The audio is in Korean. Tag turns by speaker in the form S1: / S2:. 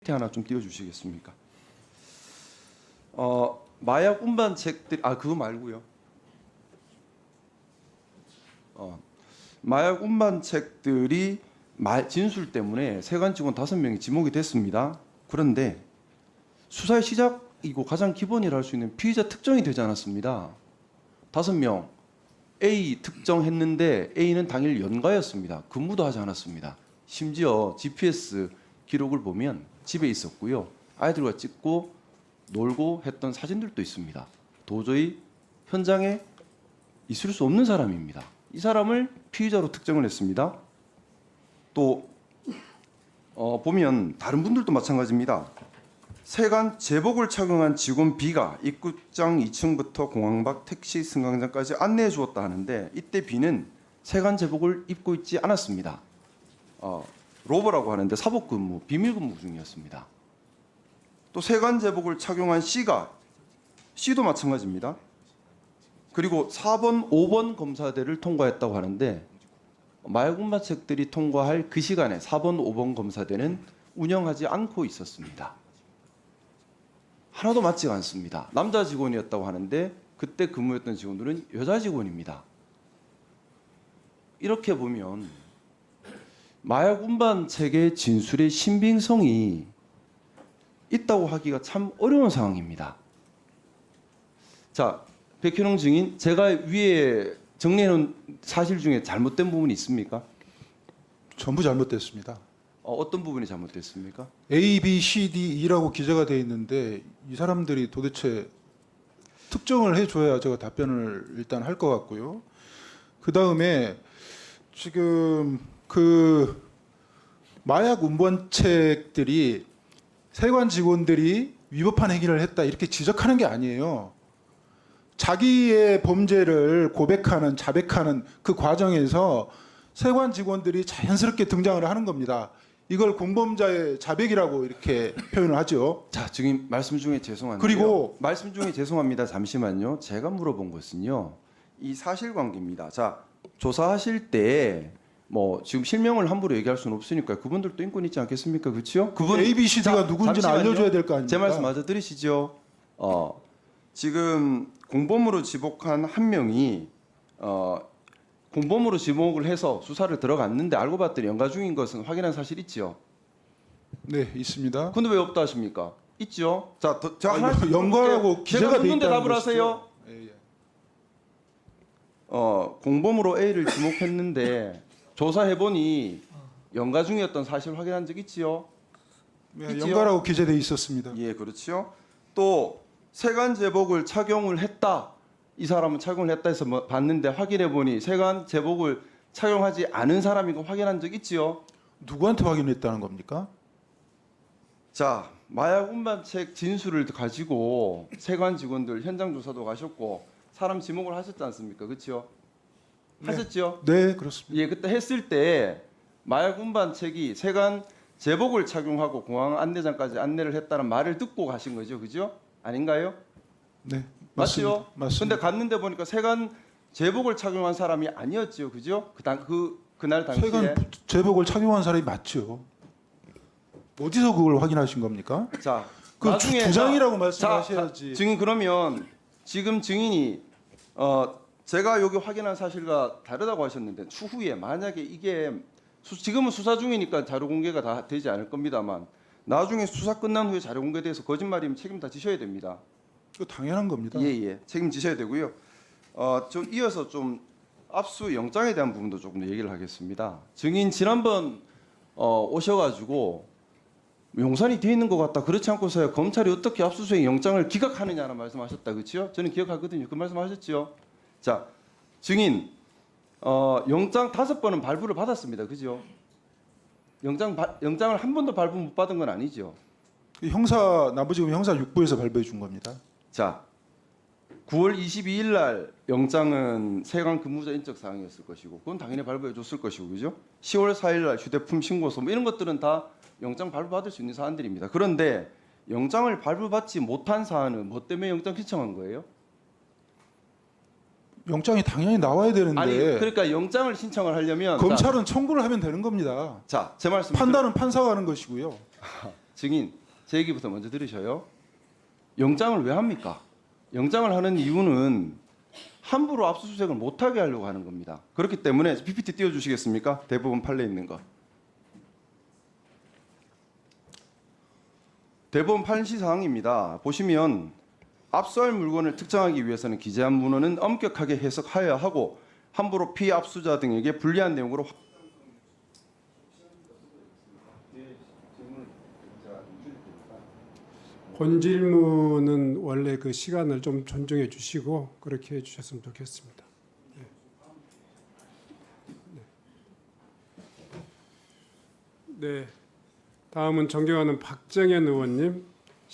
S1: 하나 좀 띄워주시겠습니까? 마약 운반책들 그거 말고요. 마약 운반책들이 진술 때문에 세관 직원 5명이 지목이 됐습니다. 그런데 수사의 시작이고 가장 기본이라 할 수 있는 피의자 특정이 되지 않았습니다. 5명 A 특정했는데 A는 당일 연가였습니다. 근무도 하지 않았습니다. 심지어 GPS 기록을 보면 집에 있었고요. 아이들과 찍고 놀고 했던 사진들도 있습니다. 도저히 현장에 있을 수 없는 사람입니다. 이 사람을 피의자로 특정을 했습니다. 또 보면 다른 분들도 마찬가지입니다. 세관 제복을 착용한 직원 B가 입구장 2층부터 공항 밖 택시 승강장까지 안내해 주었다 하는데 이때 B는 세관 제복을 입고 있지 않았습니다. 로버라고 하는데 사복 근무, 비밀 근무 중이었습니다. 또 세관 제복을 착용한 C도 마찬가지입니다. 그리고 4번, 5번 검사대를 통과했다고 하는데 마약 운반책들이 통과할 그 시간에 4번, 5번 검사대는 운영하지 않고 있었습니다. 하나도 맞지가 않습니다. 남자 직원이었다고 하는데 그때 근무했던 직원들은 여자 직원입니다. 이렇게 보면 마약 운반책의 진술의 신빙성이 있다고 하기가 참 어려운 상황입니다. 자, 백현웅 증인, 제가 위에 정리해놓은 사실 중에 잘못된 부분이 있습니까?
S2: 전부 잘못됐습니다.
S1: 어떤 부분이 잘못됐습니까?
S2: A, B, C, D, E라고 기재가 돼 있는데 이 사람들이 도대체 특정을 해줘야 제가 답변을 일단 할 것 같고요. 그 다음에 지금 그 마약 운반책들이 세관 직원들이 위법한 행위를 했다 이렇게 지적하는 게 아니에요. 자기의 범죄를 고백하는, 자백하는 그 과정에서 세관 직원들이 자연스럽게 등장을 하는 겁니다. 이걸 공범자의 자백이라고 이렇게 표현을 하죠.
S1: 자, 증인 말씀 중에 죄송한데요.
S2: 그리고
S1: 말씀 중에 죄송합니다. 잠시만요. 제가 물어본 것은요. 이 사실관계입니다. 자, 조사하실 때 뭐 지금 실명을 함부로 얘기할 수는 없으니까 그분들도 인권 있지 않겠습니까? 그렇죠? 그분
S2: A, B, C, D가 누군지는
S1: 잠시만요.
S2: 알려줘야 될 거 아닙니까?
S1: 제 말씀 마저 들으시죠. 지금 공범으로 지목한 한 명이 공범으로 지목을 해서 수사를 들어갔는데 알고 봤더니 연가 중인 것은 확인한 사실 있죠.
S2: 네, 있습니다.
S1: 근데 왜 없다 하십니까? 있죠. 자, 제가 하나
S2: 연가라고 기재가
S1: 제가
S2: 돼
S1: 묻는데
S2: 있다는
S1: 답을
S2: 것이죠.
S1: 하세요.
S2: 예, 예.
S1: 공범으로 A를 지목했는데 조사해 보니 연가 중이었던 사실 확인한 적 있지요.
S2: 네,
S1: 있지요?
S2: 연가라고 기재돼 있었습니다.
S1: 예, 그렇죠. 또 세관 제복을 착용을 했다. 이 사람은 착용을 했다 해서 봤는데 확인해 보니 세관 제복을 착용하지 않은 사람이고 확인한 적 있지요.
S2: 누구한테 확인했다는 겁니까?
S1: 자, 마약 운반책 진술을 가지고 세관 직원들 현장 조사도 가셨고 사람 지목을 하셨지 않습니까? 그렇죠? 하셨죠?
S2: 네, 그렇습니다.
S1: 예, 그때 했을 때 마약 운반책이 세관 제복을 착용하고 공항 안내장까지 안내를 했다는 말을 듣고 가신 거죠, 그죠? 아닌가요?
S2: 네,
S1: 맞죠?
S2: 맞습니다.
S1: 근데 갔는데 보니까 세관 제복을 착용한 사람이 아니었죠, 그죠? 그날 당시에
S2: 세관 제복을 착용한 사람이 맞죠. 어디서 그걸 확인하신 겁니까?
S1: 자,
S2: 그
S1: 나중에
S2: 주장이라고
S1: 자,
S2: 말씀하셔야지.
S1: 증인 그러면 지금 증인이 제가 여기 확인한 사실과 다르다고 하셨는데 추후에 만약에 이게 지금은 수사 중이니까 자료 공개가 다 되지 않을 겁니다만 나중에 수사 끝난 후에 자료 공개돼서 거짓말이면 책임 다 지셔야 됩니다.
S2: 그 당연한 겁니다.
S1: 예, 책임지셔야 되고요. 좀 이어서 좀 압수 영장에 대한 부분도 조금 더 얘기를 하겠습니다. 증인 지난번 오셔가지고 용산이 돼 있는 것 같다. 그렇지 않고서야 검찰이 어떻게 압수수색 영장을 기각하느냐는 말씀하셨다, 그렇죠? 저는 기억하거든요. 그 말씀하셨죠. 자, 증인 영장 5번은 발부를 받았습니다, 그죠? 영장을 한 번도 발부 못 받은 건 아니죠.
S2: 남부지검 형사 6부에서 발부해 준 겁니다.
S1: 자, 9월 22일 날 영장은 세관 근무자 인적 사항이었을 것이고 그건 당연히 발부해 줬을 것이고 그죠? 10월 4일 날 휴대폰 신고서 뭐 이런 것들은 다 영장 발부받을 수 있는 사안들입니다. 그런데 영장을 발부받지 못한 사안은 뭐 때문에 영장 신청한 거예요?
S2: 영장이 당연히 나와야 되는데
S1: 아니, 그러니까 영장을 신청을 하려면
S2: 검찰은 청구를 하면 되는 겁니다.
S1: 자, 제 말씀
S2: 판단은 판사가 하는 것이고요.
S1: 증인 제 얘기부터 먼저 들으셔요. 영장을 왜 합니까? 영장을 하는 이유는 함부로 압수수색을 못하게 하려고 하는 겁니다. 그렇기 때문에 PPT 띄워주시겠습니까? 대법원 판례 있는 거. 대법원 판시 사항입니다. 보시면 압수할 물건을 특정하기 위해서는 기재한 문헌은 엄격하게 해석하여야 하고 함부로 피압수자 등에게 불리한 내용으로
S3: 본질문은 원래 그 시간을 좀 존중해 주시고 그렇게 해 주셨으면 좋겠습니다. 네. 다음은 존경하는 박정현 의원님.